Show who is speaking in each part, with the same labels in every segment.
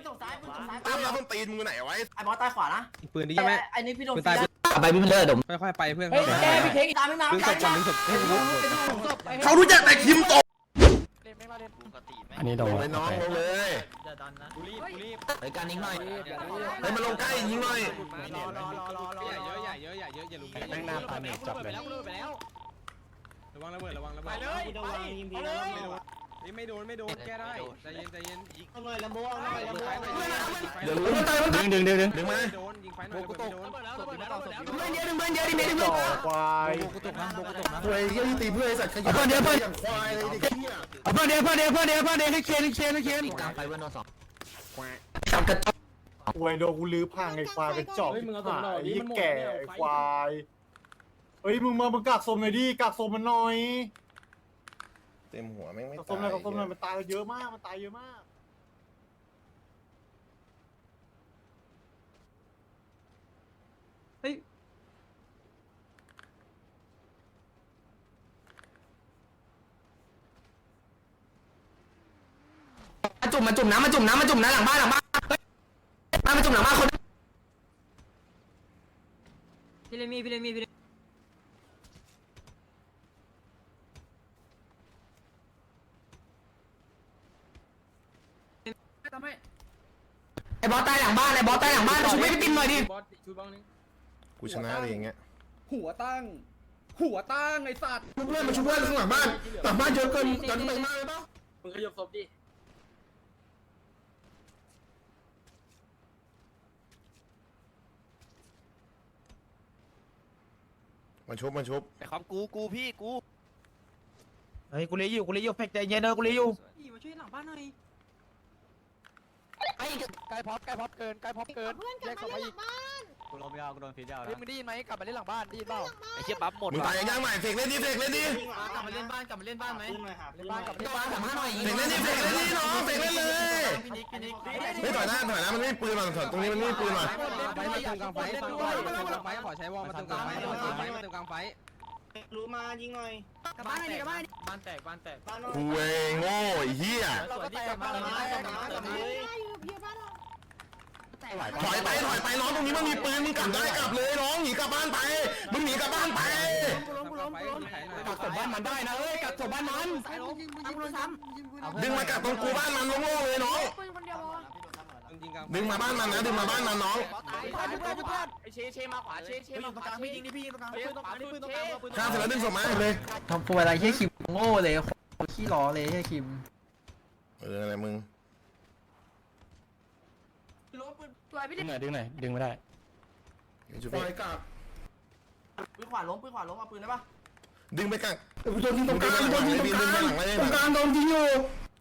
Speaker 1: ตกซ้ายปืนตกซ้าย
Speaker 2: ตั้มแล้วต้นตีนมึงไหนไว้
Speaker 1: ไอ้บอสตายขวานะ
Speaker 3: ปืนดีใช่ไหม
Speaker 1: ไอ้นี่พี่โดน
Speaker 3: ตาย
Speaker 4: ไปพี่มันเลิศดม
Speaker 3: ค่อยๆไปเพื่อน
Speaker 1: เฮ้ยแกพี่เทคตามไม่มา
Speaker 3: ดึงศพก่อนดึงศพให้รู้
Speaker 2: เขารู้จักแต่คิมโต
Speaker 4: อันนี้โดน
Speaker 2: ไปน้องลงเลย
Speaker 4: ไปการยิงหน่อย
Speaker 2: เฮ้ยมาลงใกล้ยิงหน่อย
Speaker 3: เยอะอย่าลุก
Speaker 4: แม่งหน้าปาเมจจับเลย
Speaker 3: ระวังระเบิดไปเลยไม่โดนแก้ได้ใจเย็น
Speaker 1: เอาหน่อยลำโบเอาหน่อยลำโบ
Speaker 2: เดี๋ยวรู้ดึงมา
Speaker 3: โดนยิงไฟหน่อยโดน
Speaker 2: ควายควายที่ตีเพื่อไอ้สัตว์ขยันอย่างควายเลยดิเหี้ย
Speaker 4: เพื่อนเดียวให้เคนกลางไฟเพื่อนโดนสองจับกระจก
Speaker 5: ควายโดนกูลื้อพังไอ้ควายกระจอกหายไอ้แก่ไอ้ควายเฮ้ยมึงกักสมหน่อยดิกักสมมันหน่อย
Speaker 2: เต็มหัวแม่งไม่
Speaker 5: กักส
Speaker 2: ตาม
Speaker 5: หน่อย
Speaker 2: ย
Speaker 5: กักสมหน่อยมันตายเยอะมาก
Speaker 4: มาจุ่มน้ำหลังบ้านมาจุ่มหลังบ้านคน
Speaker 1: พี่เลมี่
Speaker 4: ไอ้บอสตายหลังบ้านช่วยพี่ตินหน่อยดิ
Speaker 2: กูชนะเลยอย่างเงี้ย
Speaker 6: หัวตั้งไอ้สัตว์
Speaker 2: เพื่อนมาช่วยเพื่อนข้างหลังบ้านเยอะเกินกันไปมากเลยป่ะ
Speaker 1: มึงขยับศพดิ
Speaker 2: มาชุบ
Speaker 7: ไอ้ครับกูพี่กู
Speaker 4: เฮ้ยกูเลยอยู่แพ็กใจเย็นเด้อกูเลยอยู่
Speaker 1: มาช่วยหลังบ้านหน่อย
Speaker 7: ใกล้พอปเกินแยกศพมาอีก
Speaker 4: กูโดนไม่เอากูโดนฟีดยาว
Speaker 7: เฮ้ยมึงได้ยินไหมกลับมาเล่นหลังบ้านได้ยินเปล่าไอ้เชี่ยปั๊บหมด
Speaker 2: มึงตายยังใหม่เฟกเล่นดิ
Speaker 1: กลับมาเล่นบ้านไหม
Speaker 7: เล่นบ้านกลับมาเล่นบ้าน
Speaker 4: สามห้าหน่อย
Speaker 2: เฟกเล่นดิน้องเฟกเล่นเลยไม่ถอยหน้ามันไม่ปืนมันตรงนี้มันไม่ปืนมัน
Speaker 3: ไฟมาเติมกลางไฟขอใช้วอลมาเติมกลางไฟมาเติมกลางไฟ
Speaker 1: รู้มายิงหน่อยกลับบ้านหน่อยบ้านแตกบ้าน
Speaker 2: กูเองโง่ไอ้เหี้ย
Speaker 1: สวยดิกลับมาเลย
Speaker 2: ถอยไปน้องตรงนี้มันมีปืนมึงกลับได้กลับเลยน้องหนีกลับบ้านไปมึงหนีกลับบ้านไป
Speaker 4: กักศพบ้านมันได้นะเอ้ยกักศพบ้านมัน
Speaker 2: ดึงมากลับตรงกูบ้านมันโง่ๆเลยน้องดึงมาบ้านมันนะดึงมาบ้านมันน้อง
Speaker 1: เชมาขวาเชมาขวาพี่ยิงดิพี่ยิงตรงกลางปืนตรงกลางปืนตรงกลางปืน
Speaker 2: ข้ามเสร็จแล้วดึงศพมาเลย
Speaker 4: ทำตัวอะไรแค่คิมโง่เลยขี้ล้อเลยแค่คิม
Speaker 2: อะไรมึง
Speaker 4: ดึงหน่อยดึงไม่ได้
Speaker 2: จุดไปกลับ
Speaker 1: ปืนขวาล้มเอาปืนได้ปะ
Speaker 2: ดึงไปกลับโดนยิงตรงกลางโดนยิงตรงกลางโดนยิงอยู่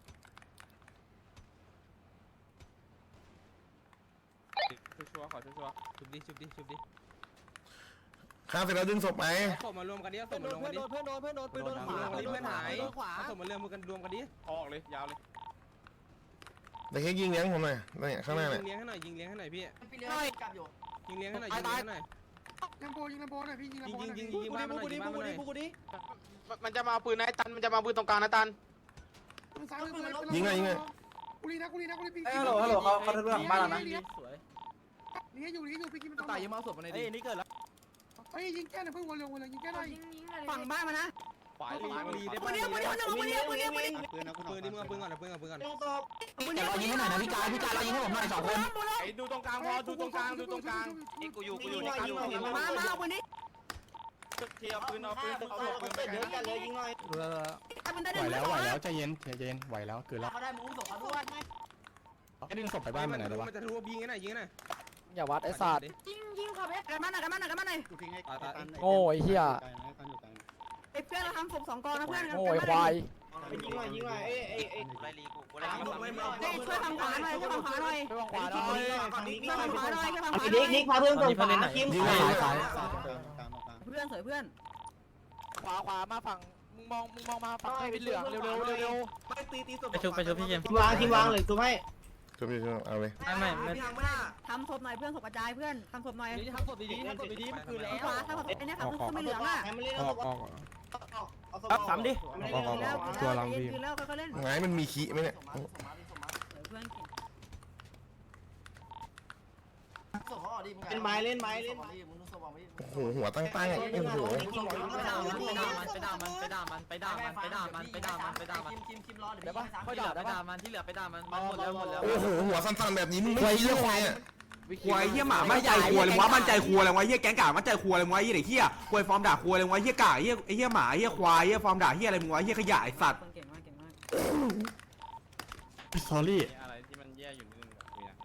Speaker 3: ชัวร์ขอชัวร์ชุบดิ
Speaker 2: ข้ามเสร็จแล้วดึงศพไป
Speaker 3: ศพมารวมกันดิศพมารวมกันดิ
Speaker 1: เพื่อนโดนปืนโดนขวา
Speaker 3: เพื่อนหายศพมารวมกันรวมกันดิออกเลยยาวเลย
Speaker 2: แต่แค่ยิงเลี้ยงผมหน่อยเนี่ยข้างหน้าเนี่ย
Speaker 3: ยิงเลี้ยงให้หน่อยพี่
Speaker 1: พี่เลี้ยงกลับอยู่
Speaker 3: ยิงเลี้ยงให้หน่อย
Speaker 6: ยิงน้ำโพหน่อยพี่ยิงน้ำโพหน่อย
Speaker 3: ยิงบ้านมันหน่อย
Speaker 7: มันจะมาปืนนะตันมันจะมาปืนตรงกลางนะตัน
Speaker 2: ยิงเลย
Speaker 5: กูรีนะพี่
Speaker 1: ฮัลโหลเขาทะลุหลังบ้านแล้วนะสวย
Speaker 5: นี่อยู่พี่กินมัน
Speaker 1: ตายยังมาศพมาในดินี่เกิดแล้ว
Speaker 5: เฮ้ยยิงแก้หน่อยเพิ่งวนลงยิงแก้หน่อย
Speaker 1: ฝั่งบ้านมานะ
Speaker 3: ขวาลีได้ปืนดิมึงเอาปืนก่อน
Speaker 4: แต่รอยิงให้หน่อยนะพี่กายรอยิงให้ผมหน่อย2 คน
Speaker 7: ไอ้ดูตรงกลางพอดูตรงกลางนี่กูอยู่ในกลาง
Speaker 1: มาเอาปืนนี้
Speaker 7: เทียบปืนเอาปืน
Speaker 1: เดี๋ยวกันเลยยิงหน่อย
Speaker 4: ไหวแล้วใจเย็นไหวแล้วเกินแล้ว
Speaker 1: เขาได้มูฟศพเขาด้วย
Speaker 4: แค่ดึงศพไปบ้านมันหน่อยได้ปะ
Speaker 3: มันจะทะลุยิงให้หน่อย
Speaker 7: อย่าวัดไอ้สัตว์
Speaker 1: ยิงขับเอฟกันมาหน่อย
Speaker 7: โง่ไอ้เหี้ย
Speaker 1: ไอ้เพื่อนเราทำศพ2 กองนะเพื่อน
Speaker 7: โง่ไอ้ควาย
Speaker 1: ยิงหน่อยเอ้ไล่ลีกูไล่ช่วยฝั่งขวาหน่อย
Speaker 7: ไปวางขวาหน่อย
Speaker 1: นิกพาเพื่อนส่งขวาคิม
Speaker 2: ยิงเลย
Speaker 1: เพื่อนสวยเพื่อน
Speaker 7: ขวามาฝั่งมึงมองมาฝั่งให้เป็นเหลืองเร็ว
Speaker 4: ไปชุบพี่เจม
Speaker 1: ทีมวางเลยถูกไหม
Speaker 2: จุบเอาเลย
Speaker 4: ไม่
Speaker 1: ทำศพหน่อยเพื่อนศพกระจายเพื่อนทำศพหน่อย
Speaker 7: ทำศพดีมันคือแล้ว
Speaker 1: ขวาทำศพไอ้เนี่ยทำศพไม่เหลืองอ่ะ
Speaker 7: ซ้ำดิ
Speaker 1: ตัวลังพี่แล้วเขาเล่น
Speaker 2: ไงมันมีขี้ไหมเนี่ย
Speaker 1: เพื่อนเป็นไม้เล่นไม้เล่น
Speaker 2: โอ้โหหัวตั้งโอ้โห
Speaker 1: ไปด่ามันไปด่ามันไปด่ามันไปด่ามันไปด่ามันไปด่ามันไปด่ามันไปด่ามันเดี๋ยวค่อยด่าไปด่ามันที่เหลือไปด่ามันหมดแล้วหมดแล้ว
Speaker 2: โอ้โหหัวสั้นๆแบบนี้มึงไม่เชื่อใครอ่ะ
Speaker 8: ควายเหี้ยหมาไม่ใจครัวเลยวะมันใจครัวเลยวะเหี้ยแก๊งกากมันใจครัวเลยวะเหี้ยไอ้เหี้ยควายฟอร์มด่าครัวเลยวะเหี้ยกากเหี้ยไอ้เหี้ยหมาเหี้ยควายเหี้ยฟอร์มด่าเหี้ยอะไรมึงวะเหี้ยขยะไอ้สัตว์
Speaker 1: เก่งมากเก่งมาก
Speaker 5: สอรี่
Speaker 3: อะไรที่มันแย่อยู่นิดนึงแบบนี้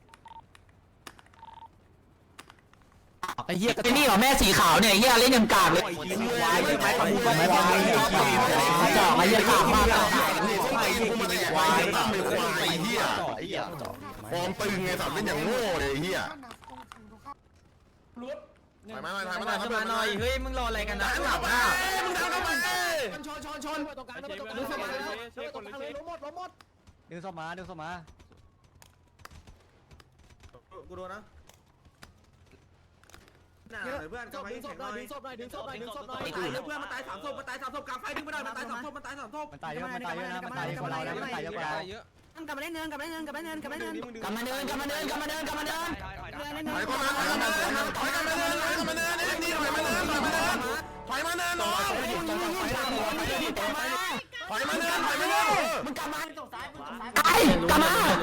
Speaker 4: ไอ้เหี้ยไอ้นี่เหรอแม่สีขาวเนี่ยไอ้เหี้ยเล่นยังกากเลย
Speaker 8: ควายไม้ขมูไม่ควาย
Speaker 4: จ่อไอ้เหี้ยกากมาก
Speaker 2: ควายเหี้ยฟอร์มตึงไงสัตว์เป็นอย่างโง่เลยเหี้ยถ่ายมาหน่อยถ่ายมาหน่อย
Speaker 1: ขึ้นมาหน่อยเฮ้ยมึงรออะไรกันนะ
Speaker 2: หลับอ่ะมึงทำทำไม
Speaker 1: ชนตรงกลางตรงกลาง
Speaker 3: ดึงศพมาเลย
Speaker 6: ดึงศพมาดึงศพมา
Speaker 3: กูโดนนะ
Speaker 1: เพื่อนกลับมาแข็งหน่อยดึงศพหน่อยดึงศพหน่อยดึงศพหน่อย
Speaker 3: เพื่อนมันตาย3ศพมันตาย3ศพกลางไฟดึงไม่ได้มันตาย3ศพมันตาย3ศพ
Speaker 6: มันตายเยอะมันตายเยอะนะมันตายเยอะกว่าเราแล้วมันตายเยอะกว่าเรา
Speaker 3: เยอะ
Speaker 1: กลับมาเล่นเนินกลับมาเล่นเนินกลับมาเล่นเนินกลับมาเล่นเนิน
Speaker 4: กลับมาเดินกลับมาเดินกลับมาเดินกลับมาเดิน
Speaker 2: ถอยเข้ามาถอยเข้ามาถอยเข้ามาถอยเข้ามาเดินถอยเข้ามาเดินนี่ถอยมาเดินถอยมาเดินถอยมาเดินน้องถอยมาเดินถอยมาเดิน
Speaker 4: มึงกลับมาไอ้กลับมาเอา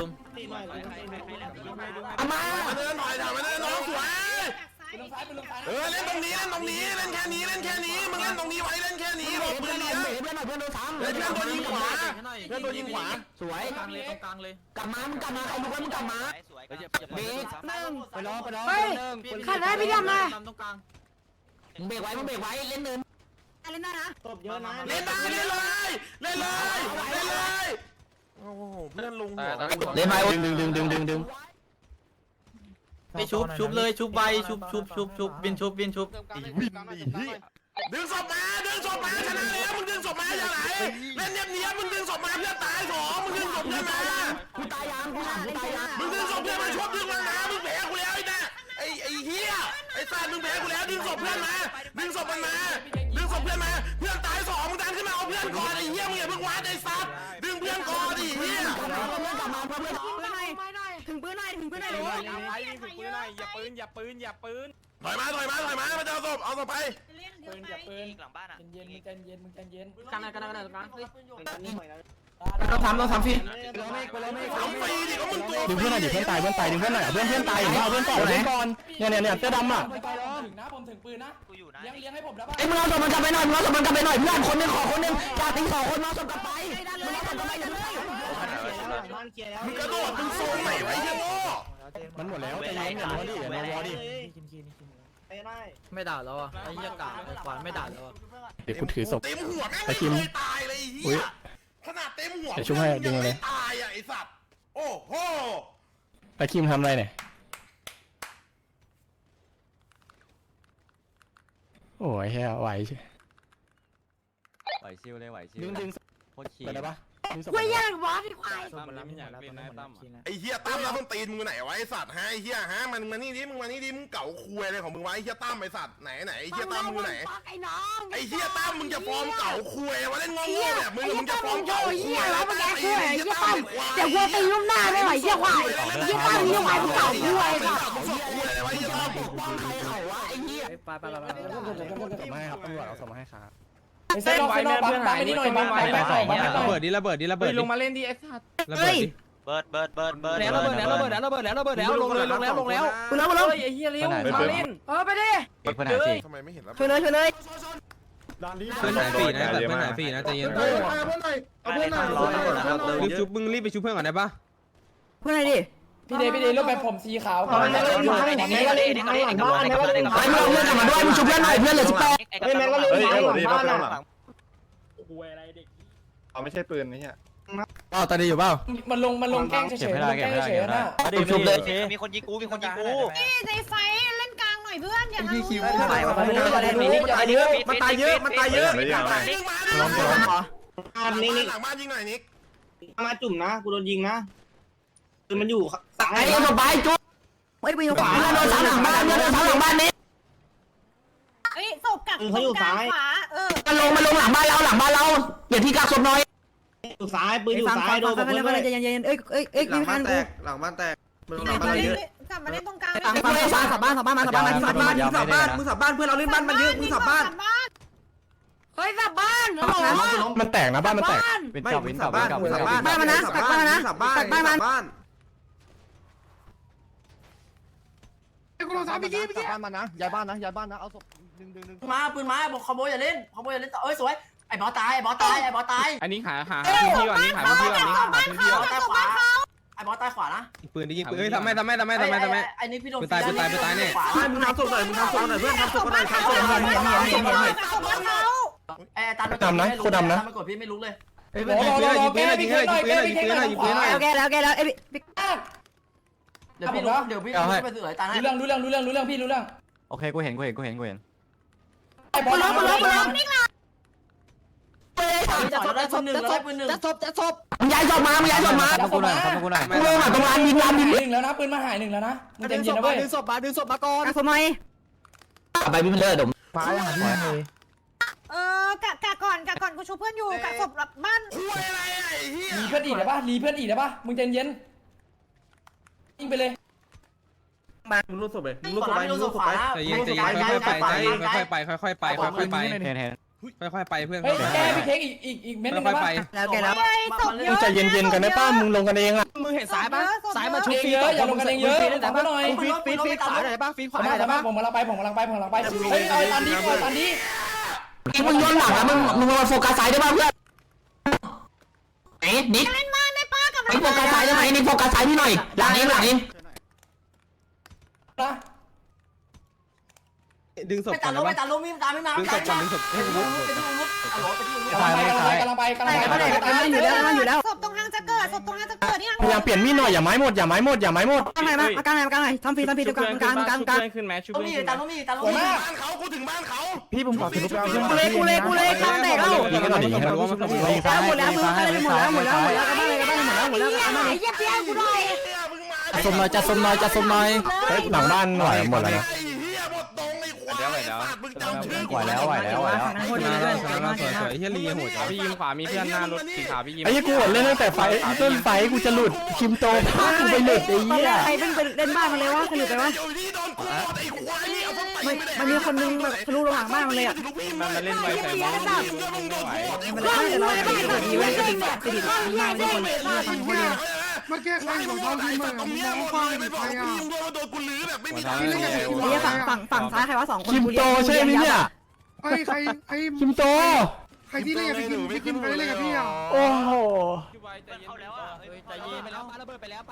Speaker 4: มา
Speaker 2: มาเดินถอยมาเดินน้องสวยเล่นตรงนี้เล่นตรงนี้เล่นแค่นี้เล่นแค่นี้มึงเล่นตรงนี้ไว้เล่นแค่นี้หลบปืนเนี้ย
Speaker 4: เพื่อนหน่อยเพื่อนโดนซ้ำ
Speaker 2: เล่นเพื่อนตัวยิงขวาเพื่อนตัวยิงขวา
Speaker 4: สวย
Speaker 1: กลางเลยตรงกลางเลย
Speaker 4: กลับมามึงกลับมาใครรู้ว่ามึงกลับมาเบรก
Speaker 6: ไปล้อไปล้อ
Speaker 1: ขัดได้พี่ดำเลยตรงกลาง
Speaker 4: มึงเบรกไว้มึงเบรกไว้เล่นเนิน
Speaker 1: เล่นได้นะ
Speaker 6: ตบเยอะนะ
Speaker 2: เล่นได้เล่นเลยเล่นเลยเล่นเลยโอ้โหเพื่อนลงหัว
Speaker 4: เล่นไว้ดึง
Speaker 1: ไปชุบเลยชุบใบชุบบินชุบ
Speaker 2: ดึงศพมาชนะแล้วมึงดึงศพมาอย่างไรเล่นเนียบมึงดึงศพมาเพื่อนตายสองมึงดึงศพเพื่อนมา
Speaker 4: กูตายยังกูถามกูตายยัง
Speaker 2: มึงดึงศพเพื่อนมาชกดึงมานะมึงแพ้กูแล้วไอ้น่ะไอ้เหี้ยไอ้สัตว์มึงแพ้กูแล้วดึงศพเพื่อนมาดึงศพมันมาดึงศพเพื่อนมาเพื่อนตายสองมึงดันขึ้นมาเอาเพื่อนก่อนไอ้เหี้ยมึงอย่าเพิ่งวัดไอ้สัตว์ดึงเพื่อนก่อนดิเหี้ย
Speaker 4: กลับมาเพื่อนกลับมาเพื่อน
Speaker 1: ถึงปืนหน่อยเลย
Speaker 3: อย่าปืนอย่าปืนอย่าปืน
Speaker 2: ถอยมามาจะเอาศพไป
Speaker 7: ปืนอย่าปืนหลังบ้านอ่ะเย็นมึงใจเย็นมึงใจเย็น
Speaker 1: กันตรงกลาง
Speaker 4: ต้องทำฟรี
Speaker 2: เอาฟรีดิก็มึงตัว
Speaker 5: ดึงเพื่อนหน่อยดิเพื่อนตายเพื่อนตายเพื่อนตายเอาเพื่อนก่อนเนี่ยเสื้อดำอ่ะ
Speaker 7: ถึงนะผมถึงปืนนะกูอยู่นะเลี้ยงให้ผมแล้วป่ะ
Speaker 4: ไอ้มึงเอาศพมันกลับไปหน่อยเพื่อนคนนึงขอคนนึงอย่าทิ้งสองคนมาศพกลับไปมึงเอาศพกลับไปอย่าเพิ่ง
Speaker 2: มึงกระโดดมึงซูมไหนไว้เหี้ยโง่
Speaker 5: มันหมดแล้วใจเย็นอย่าวอดิอย่าวอดิ
Speaker 1: ไม่ด่าแล้วอ่ะไอ้เหี้ยกาไอ้ควานไม่ด่าแล้วอ่ะ
Speaker 5: เดี๋ยวกูถือศพ
Speaker 2: เต็มหัวแม่งไม่เคยตายเลยไอ้เหี้ยขนาดเต็มหัว
Speaker 5: เดี๋ยวช่วยให้ดึงเลย
Speaker 2: ตายอ่ะไอ้สัตว์โอ้โห
Speaker 5: ตะคิมทำอะไรเนี่ยโอ้ยแค่ไหวใช่
Speaker 6: ไหวชิวเลยไหวชิว
Speaker 5: ดึง
Speaker 6: โคตรขี้
Speaker 5: ไปได้ปะ
Speaker 1: ไม่ยากวะพี่ควาย
Speaker 3: ตั้มมันไม่อยากเป็นนายตั้ม
Speaker 2: ไอ้เหี้ยตั้มแล้วต้นตีนมึงไหนวะไอ้สัตว์ฮะไอ้เหี้ยฮะมันมานี่ดิมึงมานี่ดิมึงเก่าคุยอะไรของมึงวะไอ้เหี้ยตั้มไอ้สัตว์ไหนไอ้เหี้ยตั้มมึงไหน
Speaker 1: ไอ้น้อง
Speaker 2: ไอ้เหี้ยตั้มมึงจะฟอร์มเก่าคุยว่าเล่นงงๆแบบมึงจะฟอร์มเก่าคุยแล้วมึงคุยไอ้เหี้ยตั้มเดี๋ยวกูตีลุ่มหน้าไม่ไหวเหี้ยควายเหี้ยตั้มเหี้ยควายมึงเก่าคุยค่ะมึงคุยอะไรวะไอ้เหี้ยตั้ม
Speaker 4: ใครเขาวะไอ้เหี้ย
Speaker 1: ไป
Speaker 5: ส่งมาให้ครับตำรวจเอาส่งมาให้ครับ
Speaker 7: เส้นไว้แม่เพื่อนหายนี่หน่อยไปส่งมา
Speaker 3: ระเบิดดิระเบิดดิระเบิด
Speaker 7: ลงมาเล่นดิไอ้สัตว์
Speaker 3: ระเบิดดิ
Speaker 6: เบิร์ด
Speaker 7: แล้วระเบิดแล้วลงแล้วไอ้เหี้ยเร็วมาเล่นไปดิ
Speaker 6: เพื่อนหายสิ
Speaker 2: ทำไมไม่เห็นแล้ว
Speaker 1: ช่วยเลย
Speaker 5: ด้านนี้
Speaker 3: เพื่อนหายฟรีนะแต่เพื่อนหายฟรีนะใจเย็นรีบชุบมึงรีบไปชุบเพื่อนก่อนได้ปะ
Speaker 1: เพื่อนไหนดิ
Speaker 7: พี่เดย์รูปแบบผมสีขาวแม่ก็เล่นหลังบ้านแม่ก็เล่น
Speaker 4: ไอ้มึงเอาเพื่อนกลับมาด้วยมึงชุบเพื่อนหน่อยเพื่อนเหลือ18
Speaker 7: แม่ก็เล่นหลังบ้านอ่ะ
Speaker 5: เอาไม่ใช่ปืนนี่ฮะตาดีอยู่เปล่า
Speaker 7: มันลงแกล้งเฉยๆนะ
Speaker 4: ชุบเลย
Speaker 6: มีคนยิงกู
Speaker 9: ในไฟเล่นกลางหน่อยเพื่อนอย่าเอา
Speaker 3: มันตายเยอะ
Speaker 2: หลังบ้านยิงหน่อยนิก
Speaker 6: มาจุ่มนะกูโดนยิงนะคือมันอยู่ซ้าย
Speaker 4: ไอ้เหี้ยต่อไปจุ๊บเฮ้ยไปอยู่ขวาเพื่อนโดนซ้ำหลังบ้านนี้
Speaker 9: เอ้ยศพกักตรงกลางขวา
Speaker 4: มันลงหลังบ้านเราเดี๋ยวพี่กักศพหน่อย
Speaker 6: อยู่ซ้ายปืนอยู่ซ้ายโดน
Speaker 1: ใจเย็นๆเอ้ย
Speaker 3: หลังบ้านแตก
Speaker 9: กลับมาเล่นตรงกลาง
Speaker 4: สับบ้านมาสับบ้าน
Speaker 8: มึงสับบ้านเพื่อนเราเล่นบ้านมันเยอะมึงสับบ้าน
Speaker 9: เฮ้ยสับบ้าน
Speaker 5: มันแตกนะบ้านมันแตก
Speaker 8: ไม่มึงสับบ้านมึงสับบ้าน
Speaker 4: บ้านมันนะตักบ้านนะ
Speaker 8: สับบ้านสับบ้าน
Speaker 5: กูลงสามพี่กี้บ้านมันนะย้ายบ้านนะย้ายบ้านนะเอาศพดึง
Speaker 1: มาปืนมาบอกขโมยอย่าเล่นเอ้ยสวยไอ้บอสตายไอ้บอสตาย
Speaker 3: อันนี้หาพื้นที่ก่อนนี่หาพื้นที่ก่อนนี่หาพื้นที่ก่อน
Speaker 1: ตายขวาไอ้บอสตายขวานะ
Speaker 3: ปืนดิยิงปืนเอ้ยทำไมไ
Speaker 1: ไอ้นี่พี่โดน
Speaker 3: ตายเนี่ย
Speaker 8: มึงทำศพหน่อยเพื่อนทำศพหน่อย
Speaker 1: ไอ้ตันมันกดพี่ไม่รู้เลย
Speaker 3: ยิงปืนหน่อยยิงปืนหน่อยยิงปืนหน่อยยิงปืนหน่อยยิงปืนหน่อย
Speaker 4: โอเคแล้วเอ้ย
Speaker 1: เดี๋ยวพี่ไปสื่อไอ้ตันให้
Speaker 7: รู้เรื่องพี่รู้เรื่อง
Speaker 3: โอเคกูเห็น
Speaker 7: ไอ้บอลล้ม
Speaker 1: ได้ปืนหนึ่งแล้วได้ปืนหนึ่ง
Speaker 4: จะศพมึงย้ายศพมากูเลยมาตรงลานยิง
Speaker 7: หนึ่งแล้วนะปืนมาหายหนึ่งแล้วนะมึงเต็มเย็นนะเว้ย
Speaker 4: ดึงศพมาก่อนศพหน่อยไปพี่มันเลิศดมฟ้ายังหาที่ไหนเลย
Speaker 9: กะก่อนกูชูเพื่อนอยู่กะศพบ้าน
Speaker 7: รีเพื่อนอีกได้ปะมึงเต็มเย็นยิงไปเลย
Speaker 8: มึงรู้ศพเลยมึง
Speaker 1: ขวาพี่โดนศพขวา
Speaker 3: ใจเย็นค่อยไปค่อยไปเพื่อน
Speaker 7: เฮ้ยแกพี่เค้กอีกเม็ดนึงได้ปะ
Speaker 4: แล้วแกแล้ว
Speaker 9: ศพเยอะ
Speaker 5: ใจเย็นๆกันได้ป้ามึงลงกันเองอ่ะ
Speaker 7: มึงเห็นสายปะสายมาชุบเยอะอย่าลงกันเองเยอะแต่ก็หน่อย
Speaker 1: ฟีดขวาหน่อยป่ะฟีดขวาหน่อย
Speaker 7: แต่
Speaker 1: ป่ะ
Speaker 7: ผมกำลังไปเฮ้ยเอาอันนี้
Speaker 4: มึงย้อนหลังอ่ะมึงมาโฟกัสซ้ายได้ป่ะเพื่อนนิด
Speaker 9: เล่นมาได้ป้ากับ
Speaker 4: โฟกัสซ้ายได้ไหมนิดโฟกัสซ้ายพี่หน่อยหลังเอง
Speaker 7: นะ
Speaker 3: ดึงศพ
Speaker 1: ไป
Speaker 3: ก่อ
Speaker 1: ตาน ล
Speaker 3: นะ
Speaker 1: งไป
Speaker 3: วะ
Speaker 1: ตาลงมีตาไม่มา
Speaker 3: ดึงศพก่อนให้กู
Speaker 7: กำลังไปอยู่แล้ว
Speaker 9: ศพตรงทางจะเกิดนี่
Speaker 5: พยายามเปลี่ยนมีดหน่อยอย่าไม้หมด
Speaker 4: กลางไหนทำฟรีตรงกลาง
Speaker 3: ขึ้นแมชชุบ
Speaker 1: ต้องมีตาลงมี
Speaker 2: บ้านเขากูถึงบ้านเขา
Speaker 5: พี่ผมขอสรุปแล้ว
Speaker 4: กูเลยทำแตกแล้ว
Speaker 5: ยิงกันหน่อยยิงกันหน่อย
Speaker 4: หมดแล้วกันบ้านเลยกันบ้านเลย
Speaker 9: เยี่ยมเยี่ยมกูหน่อย
Speaker 4: สมหน่อย
Speaker 5: เฮ้ยหลังบ้านหน่อยหมดแล้วนะ
Speaker 2: ไอ้เหี้ยหมดตรงไอ้ควายมึงจำชื่อ
Speaker 3: สวยเฮียลีโหดพี่ยิงขวามีเพื่อนหน้ารถสีขาวพี่ยิง
Speaker 5: ไอ้กูเล่นตั้งแต่ไฟต้นไฟกูจะหลุดคิมโตพากูไปหลุดไอ้เหี้ย
Speaker 4: ใครเป็นเล่นบ้านมันเลยวะใครหลุดไปวะ
Speaker 2: อยู่ที่โดนกูไอ้ควายนี่เอาพวกตีไป
Speaker 4: มันมีคนนึงแบบทะลุระหว่างบ้านมันเลยอ่ะ
Speaker 3: มันมาเล่นไวใส่น้องไม่ไหว
Speaker 4: มันเลยแต่เราดีไว้จะดีมากทุกคนฟังคนเดียว
Speaker 2: มาแก้ไขของเขาที่มึงตรงนี้มึงเลยไม่บอกกูยิงโดนกูลื้อแบบไม่มีทางเล่นกัน
Speaker 4: นี่ฝั่งซ้ายใครวะ2คน
Speaker 5: คิมโตใช่ไหมเนี่ย
Speaker 10: ใคร
Speaker 5: คิมโต
Speaker 10: ใครที่เล่นกับพี่คิมใครเล่นกับพี่อ่ะ
Speaker 5: โอ้โห
Speaker 1: เข้าแล้วอ่ะใจเย็นไปแล้วปาระเบิดไปแล้ว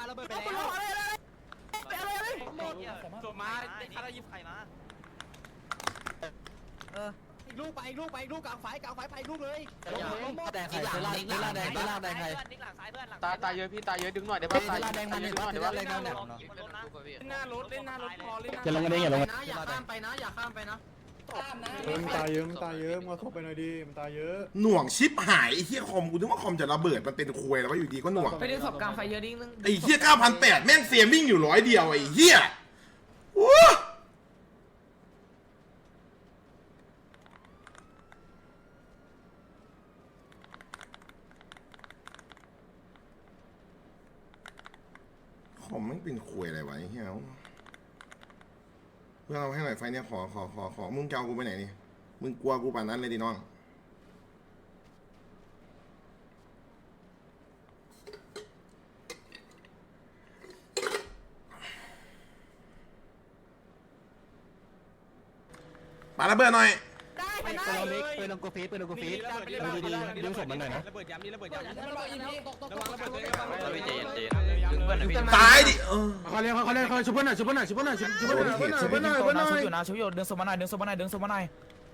Speaker 1: จบมาข้าได้ยิบไข่มาอีกลูกกลางไฟไปอีกลูกเลยแดงไข่แดงไข่ตายเยอะพี่ตายเยอะดึงหน่อยได้ป่ะตายแดงมันดึงหน่อยได้ป่ะหน้ารถพอเล่น
Speaker 5: อย่าลงกันเองอย่าลงกัน
Speaker 1: อย่าข้ามไปนะ
Speaker 5: มันตายเยอะมันมาเข้าไปหน่อยดิมันตายเยอะ
Speaker 2: หน่วงชิปหายไอ้เหี้ยคอมกูนึกว่าคอมจะระเบิดมันเป็นควยแล้วว่าอยู่ดีก็หน่วง
Speaker 1: ไปดึงศพกลางไฟเยอะดิ้งนึง
Speaker 2: ไอ้เหี้ย9,800แม่งเสียวิ่งอยู่100เดียวไอ้เหี้ยโอ้คอมแม่งเป็นควยอะไรวะไอ้เหี้ยเพื่อนเราให้หน่อยไฟเนี่ยขอมึงจะเอากูไปไหนนี่มึงกลัวกูป่านนั้นเลยดิน้องปาระเบิดหน่อย
Speaker 5: ปืนลงกูฟีดดึงศพมันหน่อยนะ
Speaker 3: ระเบิดย้ำนี่ระเบิดย้ำ
Speaker 7: ระวังระเบิด
Speaker 2: ตายดิ
Speaker 5: เขาเรียกชุบเพื่อนหน่อยชุบเพื่อนหน่อย
Speaker 7: ชุบอยู่ดึงสมานายดึงสมานาย
Speaker 2: ดึงศพมันมา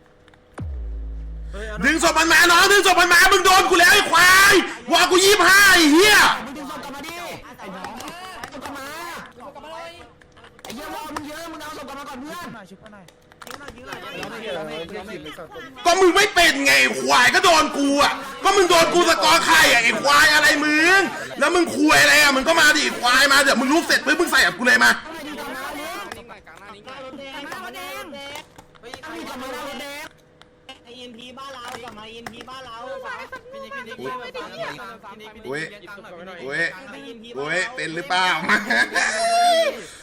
Speaker 2: น้องดึงศพมันมามึงโดนกูแล้วไอ้ควายว่ากู25ไอ้เหี้ย
Speaker 4: ดึงศพกลับมาดิไอ้น้องกลับมาไอ้เหี้ยรอมึงเยอะมึงเอาศพกลับมาก่อนเพื่อน
Speaker 2: ก็มึงไม่เป็นไงไอ้ควายก็โดนกูอ่ะก็มึงโดนกูสกอร์ไข่อ่ะไอ้ควายอะไรมึงแล้วมึงคุยอะไรอ่ะมึงก็มาดิควายมาเดี๋ยวมึงลุกเสร็จปุ๊บมึงใส่กับกูเลยมาโอ้ยเป็นหรือเปล่ามา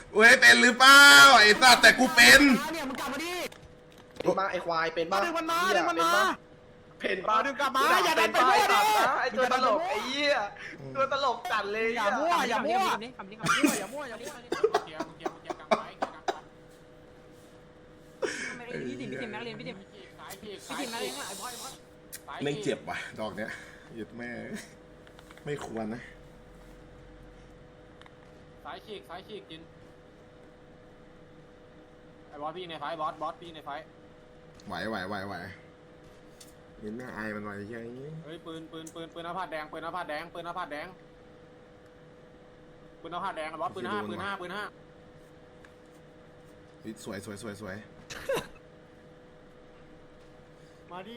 Speaker 2: เว้ยเป็นหรือเปล่าไอ้สัตว์แต่กูเป็น
Speaker 4: เนี่ยมึงกลับมาดิ
Speaker 6: เป็นบ้าไอ้ควายเป็นบ้า
Speaker 4: ดึงมันมาดึงมันมา
Speaker 6: เป็นบ้า
Speaker 4: ดึงกลับมาอย่าดันไปมั่วดิ
Speaker 6: ไอ้ตัวตลกไอ้เหี้ยตัวตลกจัดเลย
Speaker 4: อย่ามั่วอย่ามั่ว
Speaker 7: อย่ามั่วอย่ามั่วพี่ติ๋มนักเรียนพี่ติ๋มนักเรียนไอ้บอย
Speaker 2: แม่งเจ็บว่ะดอกเนี้ยหยุดแม่ไม่ควรนะ
Speaker 3: สายฉีกกินไอ้บอสพี่ในไฟบอสพี่ในไฟ
Speaker 2: ไหวเห็นหน้าอายมันหน่อยใช่ไหม
Speaker 3: เฮ้ยปืนหน้าผาดแดงปืนหน้าผาดแดงบอสปืน5
Speaker 2: สวย
Speaker 5: มาดิ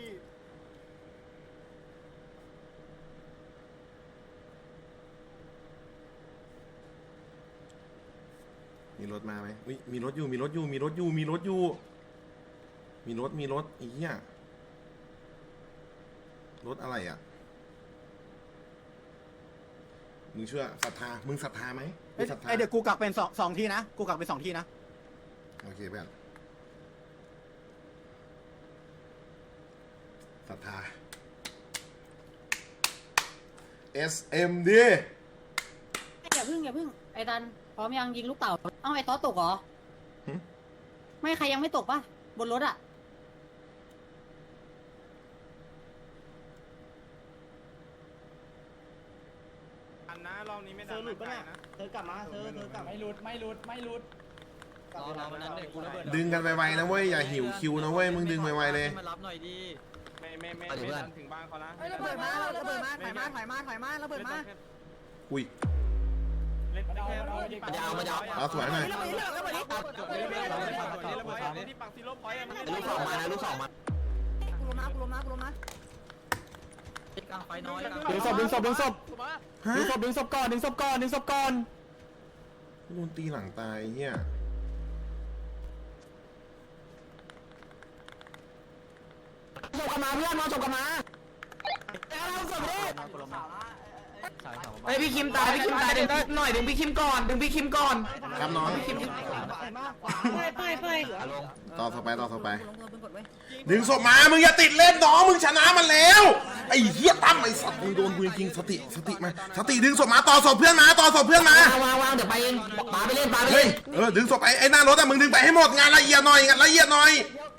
Speaker 2: มีรถมาไหมอุ้ยมีรถอยู่อีเหี้ยรถอะไรอ่ะมึงเชื่อศรัทธามึงศรัทธาไหมศรัทธา
Speaker 4: เดี๋ยวกูกักเป็นสองที่นะกูกักเป็น2 ที่นะ
Speaker 2: โอเคเพื่อนศรัทธา SMD
Speaker 9: อย่าพึ่งไอ้ดันพร้อมยังยิงลูกเต่าเอ้าไอ้ต๊อตกเหรอไม่ใครยังไม่ตกป่ะบนรถอ่ะ
Speaker 3: อันนะรอบนี้ไม่
Speaker 6: เธอหลุดปะเนี่ยเธอกลับมาเธอกลับ
Speaker 7: ไม่หลุดรอนั้นเด็กกูระเบิด
Speaker 2: ดึงกันไวๆนะเว้ยอย่าหิวคิวนะเว้ยมึงดึงไวๆเลย
Speaker 7: มารับหน่อยดิ
Speaker 3: ไม่ถึงบ้านเขานะ
Speaker 9: ระเบิดมาถอยมาระเบิดมา
Speaker 2: อุ้ย
Speaker 3: เล่นแค่
Speaker 2: เอาสวยหน่อย
Speaker 3: ที่ปักซีโร่พอยต์มัน
Speaker 4: ลูก 2 มานะลูก 2 มา
Speaker 9: กูล้มนะ
Speaker 7: กลางไฟน้อย
Speaker 4: ดึงศพก่อนดึงศพก่อน
Speaker 2: โดนตีหลังตายเฮีย
Speaker 4: ศพกลับมาเพื่อนมาศพกลับมาเอาศพดิไอพี่คิมตายดึงหน่อยดึงพี่คิมก่อน
Speaker 2: ครับน้อง
Speaker 9: ไป
Speaker 2: ต่อไปดึงศพมามึงอย่าติดเล่นน้องมึงชนะมันแล้วไอ้เหี้ยตั้มไอ้สัตว์มึงโดนกูจริงสติมาสติดึงศพมาต่อศพเพื่อนมาวาง
Speaker 4: เดี๋ยวไปเองปาไปเล่น
Speaker 2: เฮ้ยดึงศพไอ้หน้ารถอะมึงดึงไปให้หมดงานละเอียดหน่อยมึงละเอียดหน่อย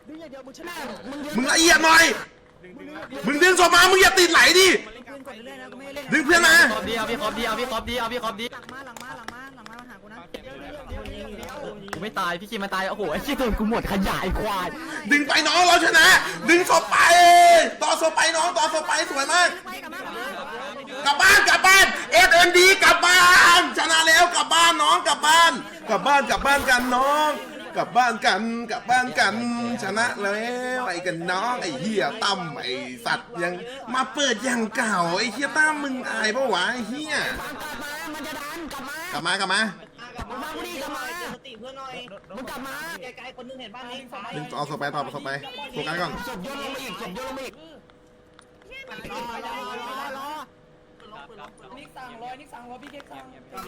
Speaker 2: มึงดึงศพมามึงอย่าติดไหลดิดึงเพื่อนมา
Speaker 7: ขอบดีเอาพี่ขอบดี
Speaker 9: หลังมาหากูนะ
Speaker 7: กูไม่ตายพี่คิมมาตายโอ้โหไอ้ขี้ตัวกูหมดขยายควาย
Speaker 2: ดึงไปน้องเราชนะ ดึงศพไปต่อศพไปน้องต่อศพไปสวยมากกลับบ้าน SMD กลับบ้านชนะแล้วกลับบ้านน้องกลับบ้านกันน้องกลับบ้านกันชนะแล้วไอ้กันน้องไอ้เหี้ยตั้มไอ้สัตว์ยังมาเปิดอย่างเก่าไอ้เหี้ยตั้มมึงอายปะวะไอ้เหี้ย
Speaker 4: มันจะดันกลับมา
Speaker 2: กลับมา
Speaker 4: สติเพื่อนหน่อยมึงกลับมา
Speaker 6: ไกลๆคนนึงเห็นบ้านนี้
Speaker 2: ดึงเอาศพไปต่อศพไปโฟกัสก่อน
Speaker 4: ศพโยนลงมาอีก
Speaker 7: นิกสั่งรอพี่เค้กสั่ง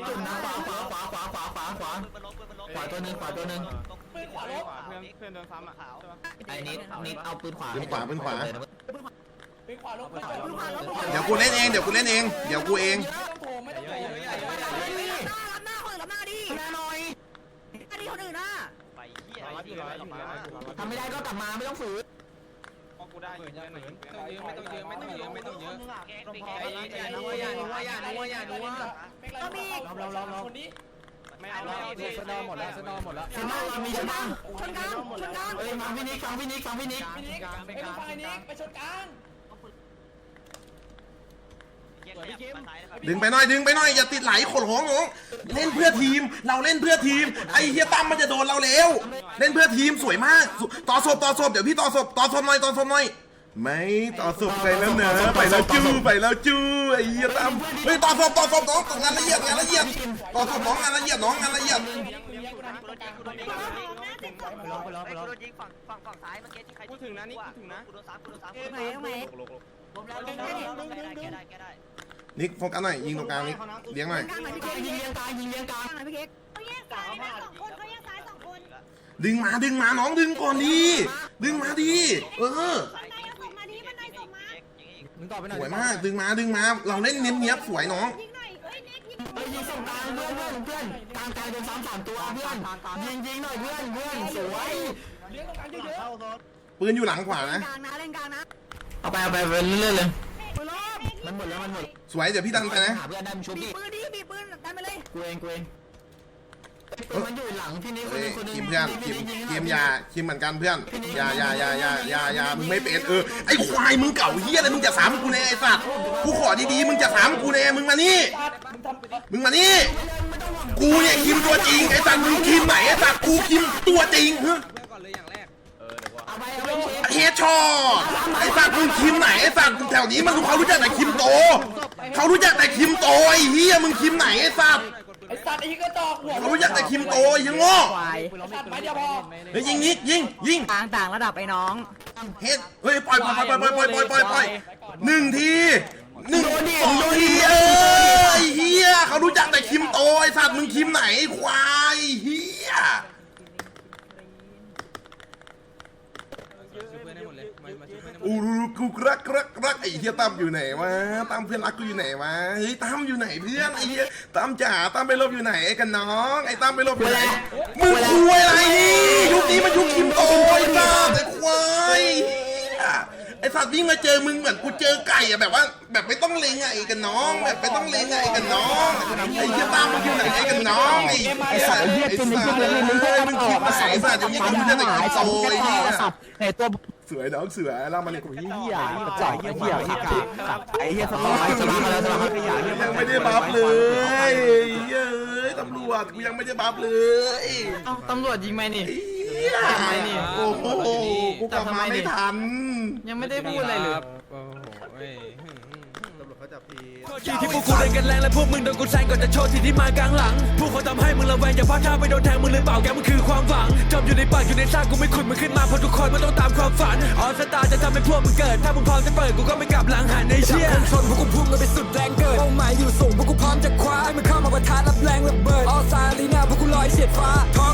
Speaker 4: ขวาตัวนึง
Speaker 7: ปืนขวาลบ
Speaker 3: เพื่อนโดนซ้ำอ่ะ
Speaker 4: ไอ้นิดเอาปืนขวา
Speaker 2: ปืนขวา
Speaker 7: ปืนขวาลบ
Speaker 2: เดี๋ยวกูเล่นเองไม่ต้องโถม
Speaker 9: รับหน้าคนดิหน้าดีคนอื่นนะ
Speaker 4: ทำไม่ได้ก็กลับมาไม่ต้องฝืน
Speaker 3: กูได้ไม่ต้องเยอะ
Speaker 9: ก็มี
Speaker 7: คนนี้
Speaker 3: ไม่เอาสนอหมดแล้ว
Speaker 4: ชนะมีชนะ
Speaker 9: ชนกลาง
Speaker 4: เอ้ยฟังพี่นิก
Speaker 7: ไปชนกลาง
Speaker 2: ดึงไปหน่อยอย่าติดไหลขนของน้องเล่นเพื่อทีมเราเล่นเพื่อทีมไอ้เฮียตั้มมันจะโดนเราแล้วเล่นเพื่อทีมสวยมากต่อศพเดี๋ยวพี่ต่อศพหน่อยไม่ต่อศพไปแล้วเนอะไปแล้วจู้ไอ้เฮียตั้มเฮ้ยต่อศพน้องงานละเอียดต่อศพน้องงานละเอียด
Speaker 3: กูถึงนะนี่กูถึงนะ
Speaker 2: นิกโฟกัสหน่อยยิงตรงกลางนิกเลี้ยงหน่อย
Speaker 9: ยิงเลี้ยงกลางพี่เค้กแยกซ้ายนะ2 คนเขาแยกซ้าย2 คน
Speaker 2: ดึงมาน้องดึงก่อนดีดึงมาดีเออ
Speaker 9: บันไดเอาส่งมาดิบันไดส่งมา
Speaker 3: มึงต่อไปหน่อย
Speaker 2: สวยมากดึงมาเราเล่นเนี้ยบสวยน้อง
Speaker 9: ยิงหน่อยเอ้ยเน็กยิง
Speaker 4: เฮ้ยยิงส่งกลางเพื่อนกลางโดนซ้ำ3 ตัวเพื่อนยิงหน่อยเพื่อนสวย
Speaker 2: ปืนอยู่หลังขวานะ
Speaker 9: กลางนะเล่นกลางนะ
Speaker 4: เอาไปเรื่อยๆเลยมันหมดแล้ว
Speaker 2: สวยเดี๋ยวพี่ดันไปนะ
Speaker 4: หาเพื่อนได้มึงชุบ
Speaker 9: มี
Speaker 4: ดิ
Speaker 9: ปืนดิมีปืนดันไปเลย
Speaker 4: กูเองมันอยู่หลังพี่นี่คน
Speaker 2: เฮ้ย
Speaker 4: นึงคนนึง
Speaker 2: คิมเพื่อนคิมยาคิมเหมือนกันเพื่อนยามึงไม่เป็นไอ้ควายมึงเก่าเฮียอะไรมึงจะสามกูแน่ไอ้สัตว์กูขอดีๆมึงจะสามกูแน่มึงมานี่กูเนี่ยคิมตัวจริงไอ้สัตว์มึงคิมไหนไอ้สัตว์กูคิมตัวจริงฮะ
Speaker 3: เพื่อนก่อนเลยอย่างแรก
Speaker 4: เอาไป
Speaker 2: เฮดช็อตไอ้สัตว์มึงคิมไหนไอ้สัตว์แถวนี้มันเขารู้จักแต่คิมโตเขารู้จักแต่คิมโตไอ้เฮียมึงคิมไหนไอ้สัตว์
Speaker 1: ไอ้สัตว์ไอ้กระจอกหัว
Speaker 2: เขารู้จักแต่คิมโตไอ้ยังโง่
Speaker 1: สัตว์ไปเดียวพอ
Speaker 2: เฮ้ยยิง
Speaker 9: ต่างระดับไอ้น้อง
Speaker 2: เฮ็ดเฮ้ยปล่อย1 ที2 ทีไอ้เฮียเขารู้จักแต่คิมโตไอ้สัตว์มึงคิมไหนควายเฮีย
Speaker 3: ช่วยเพื่อนให้หมดเลยมาช่วยเพื่อนให้หมด
Speaker 2: อู้กูรักไอ้เฮียตั้มอยู่ไหนวะตั้มเพื่อนรักกูอยู่ไหนวะเฮ้ยตั้มอยู่ไหนเพื่อนไอ้เฮียตั้มจ๋าตั้มไปลบอยู่ไหนกันน้องไอ้ตั้มไปลบอยู่ไหนมึงคุยอะไรยุคนี้มันยุคคิมโตไอ้สัตว์ไอ้ควายไอ้สัตว์วิ่งมาเจอมึงเหมือนกูเจอไก่อะแบบว่าแบบไม่ต้องเลงไอ้กันน้องแบบไม่ต้องเลงไอ้กันน้องไอ้เฮียตั้มมันอยู่ไหนไอ้กันน้องไอ้สัตว์มึงคิดมาใส่สัตว์อย่างนี้ก็ไม่ได้แต่คิมโตไอ้เฮีย
Speaker 4: ไอ้ตัว
Speaker 2: เสือน้องเสือเรามาเลยกู
Speaker 8: เหี้ยจ่ายเหี้ยไอ้เหี้ยสมองสมองมาแล้วสมองขยะ
Speaker 2: ยังไม่ได้บัฟเลยเฮ้ยตำรวจกูยังไม่ได้บัฟเลย
Speaker 4: ตำรวจยิงไหมนี่
Speaker 2: โอ้โหกูกลับมาไม่ทัน
Speaker 4: ยังไม่ได้พูดอะไรเลย
Speaker 3: โอ้โห
Speaker 1: ที่พวกกูเล่นกันแรงและพวกมึงโดนกูแซงก่อนจะโชว์ที่มากลางหลังพวกเขาทำให้มึงระแวงอย่าพลาดท่าไปโดนแทงมึงเลยเปล่าแกมันคือความหวังจมอยู่ในปากอยู่ในซากกูไม่ขุดมึงขึ้นมาเพราะทุกคนมันต้องตามความฝันออสตาจะทำให้พวกมึงเกิดถ้ามึงพร้อมจะเปิดกูก็ไม่กลับหลังหันในเชี่ยชนพวกกูพุ่งกันไปสุดแรงเกิดเป้าหมายอยู่สูงพวกกูพร้อมจะคว้าให้มันเข้ามาประทะรับแรงระเบิดออสตาลีน่าพวกกูลอยเฉียดฟ้าท้อง